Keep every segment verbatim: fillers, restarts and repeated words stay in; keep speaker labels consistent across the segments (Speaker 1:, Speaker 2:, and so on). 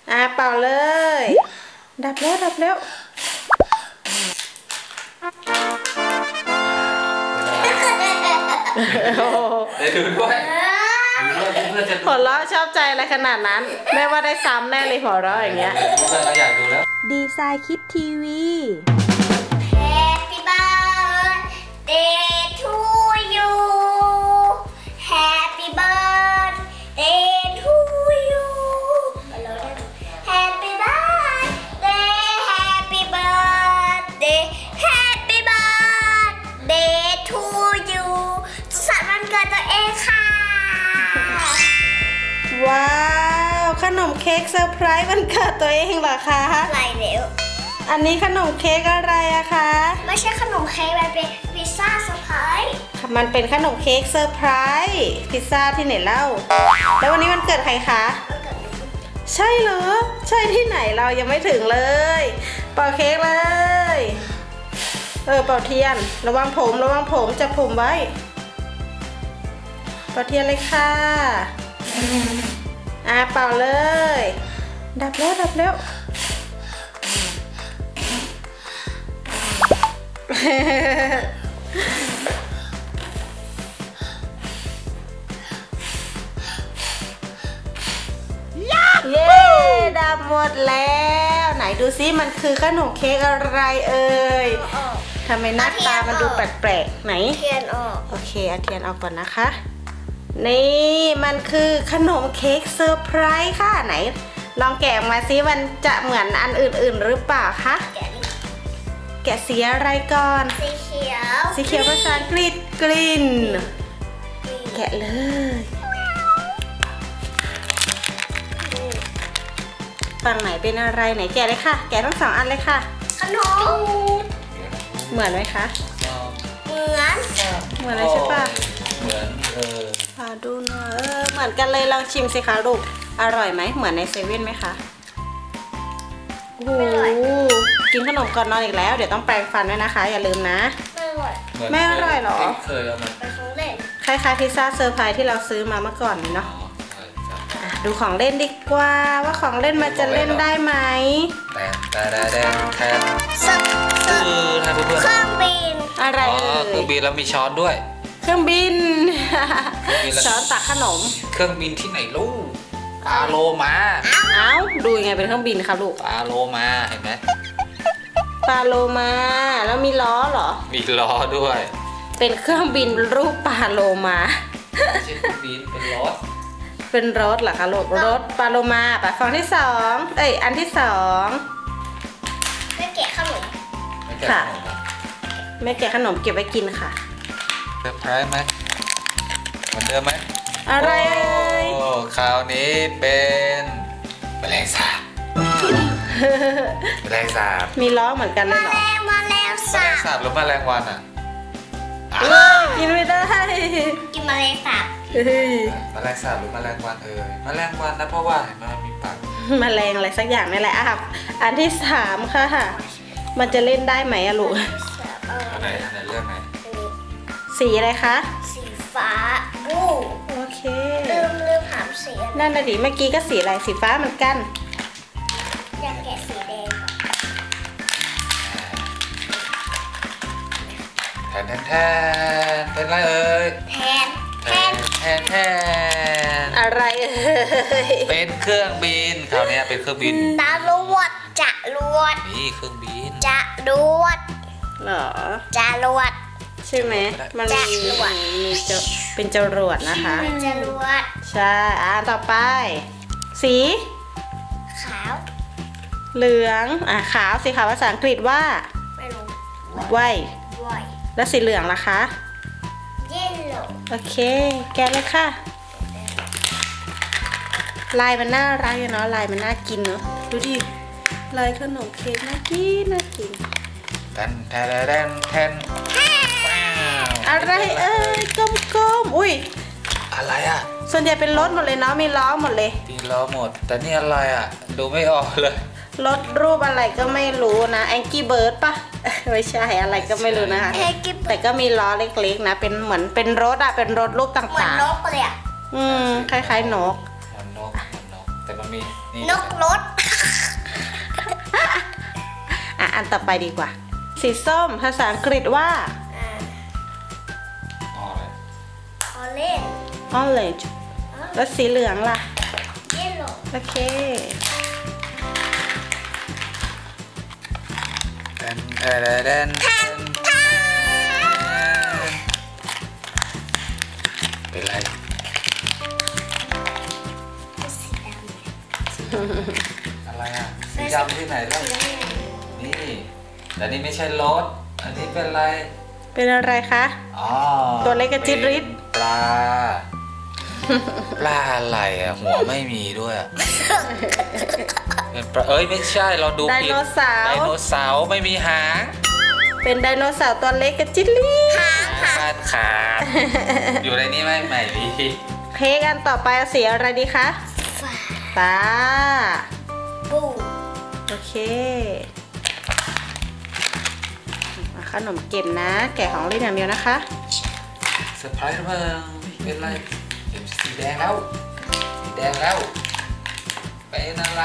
Speaker 1: อ่ะเป่าเลยดับแล้วดับแล้ว
Speaker 2: ได้ดูด้วย
Speaker 1: หัวเราะชอบใจอะไรขนาดนั้นแม่ว่าได้ซ้ำแน่เลยหัวเราะอย่างเงี้ย
Speaker 2: อยากดูแล้ว
Speaker 1: ดีไซน์คิดทีวี
Speaker 3: Happy birthday to you Happy birthday to you Happy birthday Happy birthday Happy birthday to you สุขสันต์วันเกิดตัวเองค่ะ
Speaker 1: ว้าวขนมเค้กเซอร์ไพรส์วันเกิดตัวเองเหรอคะ
Speaker 3: อะไรเร็ว
Speaker 1: อันนี้ขนมเค้กอะไรอะคะ
Speaker 3: ไม่ใช่ขนมเค้กมันเป็นพิซซ่าเซอร์ไพรส์
Speaker 1: มันเป็นขนมเค้กเซอร์ไพรส์พิซซ่าที่ไหนเล่าแล้ววันนี้วันเกิดใครคะใช่เหรอใช่ที่ไหนเรายังไม่ถึงเลยเป่าเค้กเลยเออเป่าเทียนระวังผมระวังผมจับผมไว้เป่าเทียนเลยค่ะอ่ะเป่าเลยดับแล้วดับแล้วเย้ดับหมดแล้วไหนดูซิมันคือขนมเค้กอะไรเอ่ยทำไมหน้าตามันดูแปลกๆไหน
Speaker 3: เทียนออก
Speaker 1: โอเคเอาเทียนออกก่อนนะคะนี่มันคือขนมเค้กเซอร์ไพรส์ค่ะไหนลองแกะมาซิมันจะเหมือนอันอื่นๆหรือเปล่าคะแกะสีอะไรก่อน
Speaker 3: สีเขียว
Speaker 1: สีเขียวภาษาอังกฤษกลิ่นแกะเลยฝั่งไหนเป็นอะไรไหนแกะเลยค่ะแกะทั้งสองอันเลยค่ะ
Speaker 3: ขนม
Speaker 1: เหมือนไหมคะ
Speaker 3: เหมือน
Speaker 1: เหมือนอะไรใช่ปะ
Speaker 2: เหมือนเออ
Speaker 1: มาดูหน่อยเออเหมือนกันเลยลองชิมสิคะลูกอร่อยไหมเหมือนในเซเว่นไหมคะโอ้โหกินขนมก่อนนอนอีกแล้วเดี๋ยวต้องแปรงฟันด้วยนะคะอย่าลืมนะไม่อร่อยหรอ
Speaker 2: เคยเอามา
Speaker 3: ไปของเล่น
Speaker 1: คล้ายๆพิซซ่าเซอร์ไพรส์ที่เราซื้อมาเมื่อก่อนนี่เนาะดูของเล่นดีกว่าว่าของเล่นมันจะเล่นได้ไหม
Speaker 2: แต่แต่แต่แต่
Speaker 3: คือ
Speaker 2: ทำเพื่อน
Speaker 3: เครื่องบิน
Speaker 1: อะไรเอ่ย
Speaker 2: เครื่องบินแล้วมีช้อนด้วย
Speaker 1: เครื่องบินช้อนตักขนม
Speaker 2: เครื่องบินที่ไหนลูกปลาโลมา
Speaker 1: เอ้าดูยังไงเป็นเครื่องบินคะลูก
Speaker 2: ปลาโลมาเห็นไหม
Speaker 1: ปลาโลมาแล้วมีล้อเหรอ
Speaker 2: มีล้อด้วย
Speaker 1: เป็นเครื่องบินรูปปลาโลมา
Speaker 2: ไม่ใช่เครื่องบินเป็นรถ
Speaker 1: เป็นรถเหรอคะลูกรถปลาโลมาปะฟองที่สองเอ้ยอันที่สอง
Speaker 3: แม่แกะขนม
Speaker 1: ค่ะแม่แกะขนมเก็บไว้กินค่ะ
Speaker 2: เซอร์ไพรส์ไหมเหมือนเดิมไหม
Speaker 1: อะไรเอ่ย
Speaker 2: โอ้คราวนี้เป็นแมลงสาบแมลงสาบ
Speaker 1: มีล้อเหมือนกันเลยเหรอ
Speaker 3: แมลงแมลงสาบ
Speaker 2: แมลงสาบหรือแมลงวันอ่ะ
Speaker 1: กินไม่ได้
Speaker 3: กินแมลงสาบ
Speaker 2: แมลงสาบหรือแมลงวันเอ่ยแมลงวันนะเพราะว่าเห็นมันมีปาก
Speaker 1: แมลงอะไรสักอย่างนี่แหละอ่ะอันที่สามค่ะมันจะเล่นได้ไหมอะลูก
Speaker 2: อันไหนอันไหนเลือกไหน
Speaker 1: สีอะไรคะ
Speaker 3: สีฟ้าบู
Speaker 1: โอเค
Speaker 3: ลืมลืมถามสี
Speaker 1: นั่นน่ะดิเมื่อกี้ก็สีอะไรสีฟ้าเหมือนกัน
Speaker 3: อยากแกะสีแดง
Speaker 2: แทนแทนแทนเป็นไรเอ่ย
Speaker 3: แทนแทน
Speaker 2: แทนแทน
Speaker 1: อะไรเอ่ย
Speaker 2: เป็นเครื่องบินคราวนี้เป็นเครื่องบิน
Speaker 3: จรวดจรวด
Speaker 2: นี่เครื่องบิน
Speaker 3: จรวด
Speaker 1: เหรอ
Speaker 3: จรวด
Speaker 1: ใช่ไหมมันมีมีจะเป็นจรวดนะคะ
Speaker 3: เป็นจรวด
Speaker 1: ใช่อ่าต่อไปสี
Speaker 3: ขาว
Speaker 1: เหลืองอ่ะขาวสีขาวภาษาอังกฤษว่า
Speaker 3: ไม่รู้
Speaker 1: white แล้วสีเหลืองล่ะคะ
Speaker 3: yellow
Speaker 1: โอเคแกะเลยค่ะลายมันน่ารักเนาะลายมันน่ากินเนาะดูดิลายขนมเค้กน่ากินน่ากิน
Speaker 2: แทนแทนแทนแทน
Speaker 1: อะไรเอ้ยกลมๆอุ้ย
Speaker 2: อะไรอ่ะ
Speaker 1: ส่วนใหญ่เป็นรถหมดเลยเนาะมีล้อหมดเลย
Speaker 2: มีล้อหมดแต่นี่อะไรอ่ะดูไม่ออกเลย
Speaker 1: รถรูปอะไรก็ไม่รู้นะแองกี้เบิร์ดปะไม่ใช่อะไรก็ไม่รู้นะคะแต่ก็มีล้อเล็กๆนะเป็นเหมือนเป็นรถอะเป็นรถรูปต่างๆเหมือน
Speaker 3: นกเลยอะ
Speaker 1: อืมคล้ายๆนก
Speaker 2: เหมือนนกเหมือนนกแต่มันมี
Speaker 3: นกรถ
Speaker 1: อันต่อไปดีกว่า สีส้มภาษาอังกฤษว่า
Speaker 3: อ่า
Speaker 2: อ๋อเลย
Speaker 3: orange
Speaker 1: orange แล้วสีเหลืองล่ะ
Speaker 3: yellow
Speaker 1: โอเค
Speaker 2: แดนแดนแดนเป็นไร
Speaker 3: สีดำ
Speaker 2: อะไรอ่ะสีดำที่ไหนล่ะนี่แต่นี่ไม่ใช่รถอันนี้เป็นอะไร
Speaker 1: เป็นอะไรคะ
Speaker 2: อ๋อ
Speaker 1: ตัวเล็กกระจิ๊ดริด
Speaker 2: ปลา ปลาอะไรอ่ะ หัวไม่มีด้วยอะเป็นปลาเอ้ยไม่ใช่เราดู
Speaker 1: ได
Speaker 2: ผิ
Speaker 1: โนเสา
Speaker 2: ได
Speaker 1: ร์
Speaker 2: โนเสาร์ไม่มีหาง
Speaker 1: เป็นไดโนเสาร์ตัวเล็กกระจิ๊ดลิด
Speaker 2: ขาดขาดอยู่ในนี้ไหมไม่มี
Speaker 1: เค้กอันต่อไปเอาสีอะไรดีคะ
Speaker 3: ฟ้า
Speaker 1: ฟ้า
Speaker 3: บู
Speaker 1: โอเคมาขนมเก็บนะ แกะของเล่นอย่างเดียวนะคะ
Speaker 2: เซอร์ไพรส์มั้งเป็นไรเห็นสีแดงแล้วสีแดงแล้วเป็นอะไร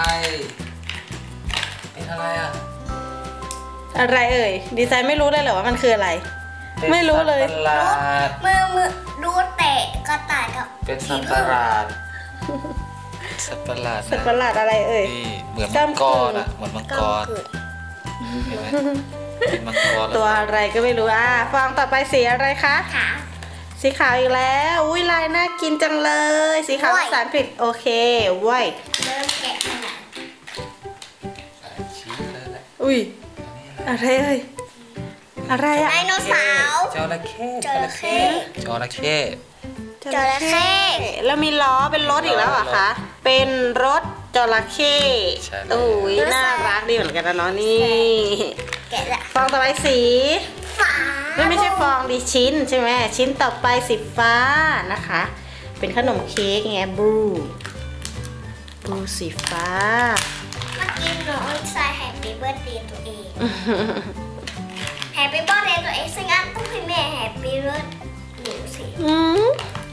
Speaker 2: เป็นอะไรอ่ะ
Speaker 1: อะไรเอ่ย ดีไซน์ไม่รู้เลยเหรอว่ามันคืออะไร ไม่รู้เลย
Speaker 2: เป็นสัตว์ประหลาด
Speaker 3: มือมือดูเตะกระต่ายกับ
Speaker 2: เป็นสัตว์ประหลาดสัตว์ประหลาด
Speaker 1: สัตว์ประหลาดอะไรเอ่ย
Speaker 2: นี่เหมือนมังกรอ่ะเหมือนมังกร
Speaker 3: เกิด
Speaker 2: เห็นไหมเป็นมังกร
Speaker 1: ตัวอะไรก็ไม่รู้อ่ะฟองต่อไปสีอะไรคะ
Speaker 3: ขา
Speaker 1: สีขาวอีกแล้ว อุ้ยลายน่ากินจังเลย สีขาว
Speaker 3: ว้ย
Speaker 1: ภาษาอังกฤษโอเคเว้ย
Speaker 3: เริ่มแกะขนาด
Speaker 2: ใส่ชีสเลยแหละ
Speaker 1: อุ้ย
Speaker 2: อันนี้อะไร
Speaker 1: อะไรเอ่ย อะไรอะ
Speaker 3: ไดโนเสาร์
Speaker 2: จระเข้
Speaker 3: จระเข้
Speaker 2: จระเข้
Speaker 3: จระเข้
Speaker 1: แล้วมีล้อเป็นรถอีกแล้วเหรอคะ เป็นรถจระเข้
Speaker 2: ใช่แล้ว
Speaker 1: อุ้ยน่ารักดีเหมือนกันนะเนาะนี่
Speaker 3: แกะละ
Speaker 1: ฟองต่อไปสี
Speaker 3: ฟ้า
Speaker 1: ไม่ไม่ใช่ฟองดิชิ้นใช่ไหมชิ้นต่อไปสีฟ้านะคะ เป็นขนมเค้กไงบลูบลูสีฟ้า
Speaker 3: เมื่อกี้น้องใส่แฮปปี้เบิร์ดเดย์ตัวเองแฮปปี้เบิร์ดเดย์ตัวเองซึ่งอันต้องให้แม่แฮปปี้เบิร์ดหนูสิ
Speaker 1: อืม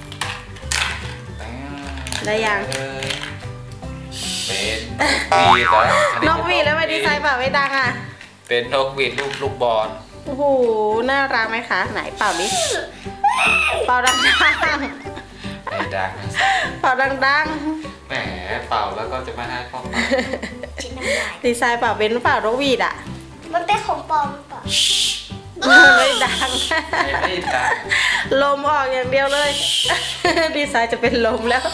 Speaker 1: ได้ยัง
Speaker 2: เลยเป็นนกหวีดเหรอน
Speaker 1: กหวีดแล้วทำไมดีไซน์เปล่าไม่ดังอ่ะ
Speaker 2: เป็นนกหวีดลูกลูกบอล
Speaker 1: โอ้โห น่ารักไหมคะ ไหนเป่าดิ เป่าดัง
Speaker 2: ไม่ดังนะ
Speaker 1: ๆ เป่าดัง
Speaker 2: แหมเป่าแล้วก็จะไม่ให้พ่อเป่า
Speaker 3: ชิ้นน้ำลาย
Speaker 1: ๆ ดีไซน์เป่าเป็นหรือเปล่านกหวีดอ่ะ
Speaker 3: มันเป็นของปลอมหรือเปล่า
Speaker 1: ไม่ดัง
Speaker 2: ไม่ไม่ดัง
Speaker 1: ลมออกอย่างเดียวเลย ดีไซน์จะเป็นลมแล้ว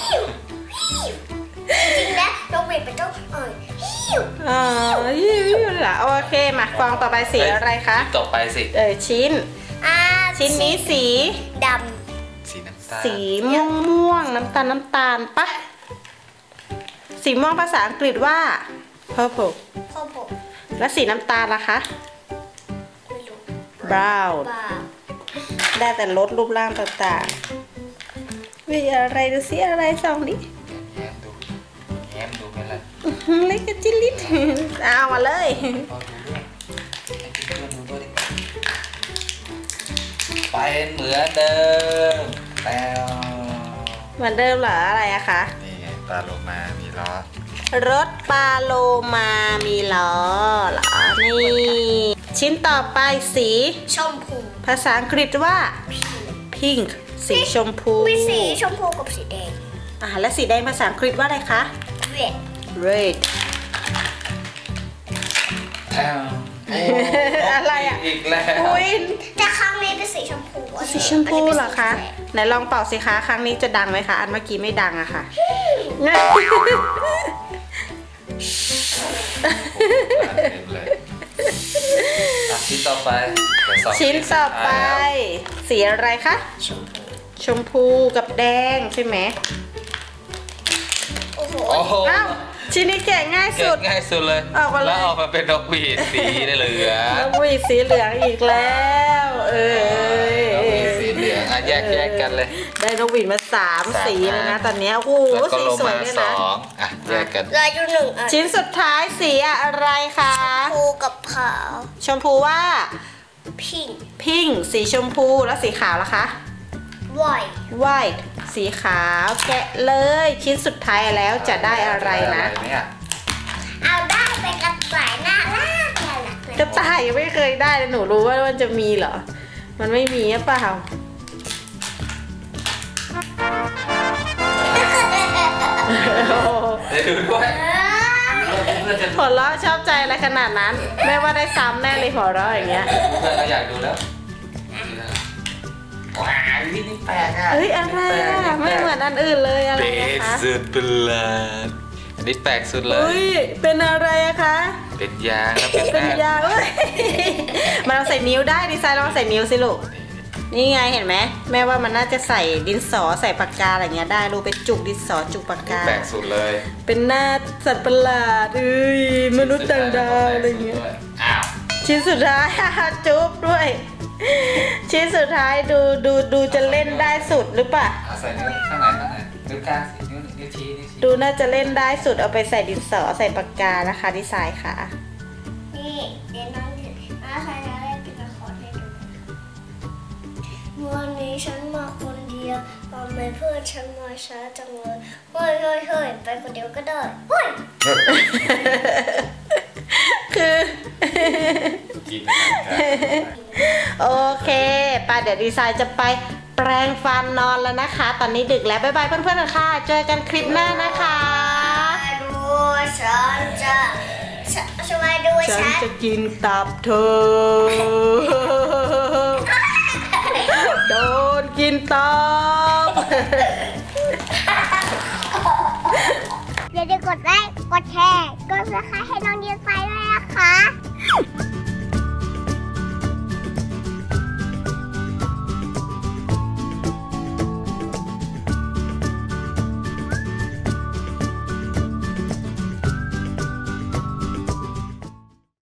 Speaker 3: จริงๆแล้วนกหวีดเป็นเจ้าเอ่ยฮิว
Speaker 1: อ๋อยิ้วๆล่ะโอเคมาฟองต่อไปสีอะไรคะ
Speaker 2: ชิ้นต่อไปสิ
Speaker 1: เออชิ้น
Speaker 3: อ่า
Speaker 1: ชิ้นนี้สี
Speaker 3: ด
Speaker 2: สีน้ำตาล
Speaker 1: สีม่วงม่วงๆน้ำตาลน้ำตาลปะสีม่วงภาษาอังกฤษว่า purple
Speaker 3: ำพ่อผม
Speaker 1: และสีน้ำตาลล่ะคะ
Speaker 3: ไม่รู้
Speaker 1: brown
Speaker 3: บ้า
Speaker 1: ได้แต่ลดรูปร่างต่างๆวิอะไรดูสิอะไรส่องดิ
Speaker 2: แง้มดูแง้มดูเป็นไร
Speaker 1: อื้อหือเล็กกระจิลิด เอามาเลย
Speaker 2: พอดูด้วยให้เพื่อนๆดูด้วยดิเป็นเหมือนเดิมแต่
Speaker 1: เหมือนเดิมเหรออะไรอะคะ
Speaker 2: นี่ไงปลาโลมามีล้อ
Speaker 1: รถปาโลมามีล้อเหรอ นี่ ชิ้นต่อไปสี
Speaker 3: ชมพู
Speaker 1: ภาษาอังกฤษว่า pink สีชมพู
Speaker 3: มีสีชมพูกับสีแดง
Speaker 1: อ่าและสีแดงภาษาอังกฤษว่าอะไรคะ
Speaker 3: เวท
Speaker 1: red
Speaker 2: แอมโ
Speaker 1: อะไรอะ
Speaker 2: อีกแล้ว
Speaker 1: อุ้ย
Speaker 3: แต่ครั้งนี้เป็นสีชมพูอันนี้
Speaker 1: สีชมพูเหรอคะ
Speaker 3: อันนี้เป็นสีแดง
Speaker 1: ไหนลองเป่าสิคะ ครั้งนี้จะดังไหมคะ อันเมื่อกี้ไม่ดังอะค่ะ
Speaker 2: เต็มเลยอ่ะชิ้นต่อไปเดี๋ยวสง
Speaker 1: ชิ้นต่อไป
Speaker 2: สุดท้ายแล้ว
Speaker 1: สีอะไรคะ
Speaker 3: ชมพู
Speaker 1: ชมพูกับแดงใช่ไหม
Speaker 3: โอ้โห
Speaker 2: โอ้โห
Speaker 1: อ้าวชิ้นนี้แกะง่าย
Speaker 2: เก็
Speaker 1: สุ
Speaker 2: บ
Speaker 1: ด
Speaker 2: ง่ายสุดเลย
Speaker 1: ออกมาเลย
Speaker 2: แล้วออกมาเป็นนกหวีดสีได้เหลือง
Speaker 1: น้องวีสีเหลืองอีกแล้ว เอ้ย
Speaker 2: นกหวีดสีเหลืองอ่ะแยกแยกกันเลย
Speaker 1: ได้นกหวีดมาสาม
Speaker 2: สาม
Speaker 1: สีเลยนะ
Speaker 2: อัน
Speaker 1: ตอนเนี้ยโอ้โห
Speaker 2: แล้วก็
Speaker 1: สี
Speaker 2: โล
Speaker 1: สวย
Speaker 2: มา
Speaker 1: ด้วย
Speaker 2: ส
Speaker 1: นะ
Speaker 2: องอ่ะแยกกัน
Speaker 3: เหลายอยู่หนึ่งอัน
Speaker 1: ชิ้นสุดท้ายสีอะไรคะ
Speaker 3: ชมพูกับขาว
Speaker 1: ชมพูว่า
Speaker 3: พิง
Speaker 1: พิงสีชมพูแล้วสีขาวล่ะคะ
Speaker 3: ไวท์
Speaker 1: white สีขาวแกะเลย ชิ้นสุดท้ายแล้วจะได้อะไรนะ
Speaker 2: ได้อะไรเนี่ย
Speaker 3: เอาได้เป็นกระต่ายน่ารักน่ารักน่า
Speaker 1: กระต่ายยังไม่เคยได้เลยหนูรู้ว่ามันจะมีเหรอมันไม่มีหรือเปล่า
Speaker 2: เดี๋ยวดูด้วยเพื่อนจะ
Speaker 1: หัวเราะชอบใจอะไรขนาดนั้นแม่ว่าได้ซ้ำแน่เลยหัวเราะอย่างเงี้ย
Speaker 2: เพื่อนเราอยากดูแล้วว้าวนี่นี่แปลกอ่ะ
Speaker 1: เฮ้ยอะไรอ่ะไม่เหมือนอันอื่นเลยอะไรนะคะ
Speaker 2: สุดประหลาดอันนี้แปลกสุดเลย
Speaker 1: เฮ้ยเป็นอะไรอะคะ
Speaker 2: เป็นยางครับเป็น
Speaker 1: เป็นยาเอ้ยมันเราใส่นิ้วได้ดีไซน์ลองใส่นิ้วสิลูกนี่ไงเห็นไหมแม่ว่ามันน่าจะใส่ดินสอใส่ปากกาอะไรเงี้ยได้ลูกไปจุกดินสอจุกปากกา
Speaker 2: แปลกสุดเลย
Speaker 1: เป็นหน้าสัตว์ประหลาดเอ้ยมนุษย์ต่างดาวอะไรเงี้ย
Speaker 2: อ้าว
Speaker 1: ชิ้นสุดท้ายจุ๊บด้วยชิ้นสุดท้ายดูดูดูจะเล่นได้สุดหรือเปล่า
Speaker 2: ใส่นิ้วข้างไหนข้างไหนนิ้วกลางสินิ้วนิ้วชี้นิ้วชี้
Speaker 1: ดูน่าจะเล่นได้สุดเอาไปใส่ดินสอใส่ปากกานะคะดีไซน์ค่ะ
Speaker 3: นี่เดี๋ยวน้องน้าใครจะเล่นเป็นละครให้ดูวันนี้ฉันมาคนเดียวทำไมเพื่อนฉันมาช้าจังเลยเฮ้ยเฮ้ยเฮ้ยไปคนเดียวก็ได้เฮ้ย
Speaker 1: คือโอเคป้าเดี๋ยวดีไซน์จะไปแปรงฟันนอนแล้วนะคะตอนนี้ดึกแล้วบ๊ายบายเพื่อนๆค่ะเจอกันคลิปหน้านะคะ
Speaker 3: ดูฉันจะช่วยดูฉัน
Speaker 1: ฉันจะกินตับเธอโดนกินตับ
Speaker 3: อย่าลืมกดไลค์กดแชร์กดซับสไครบ์ให้น้องดีไซน์ด้วยนะคะ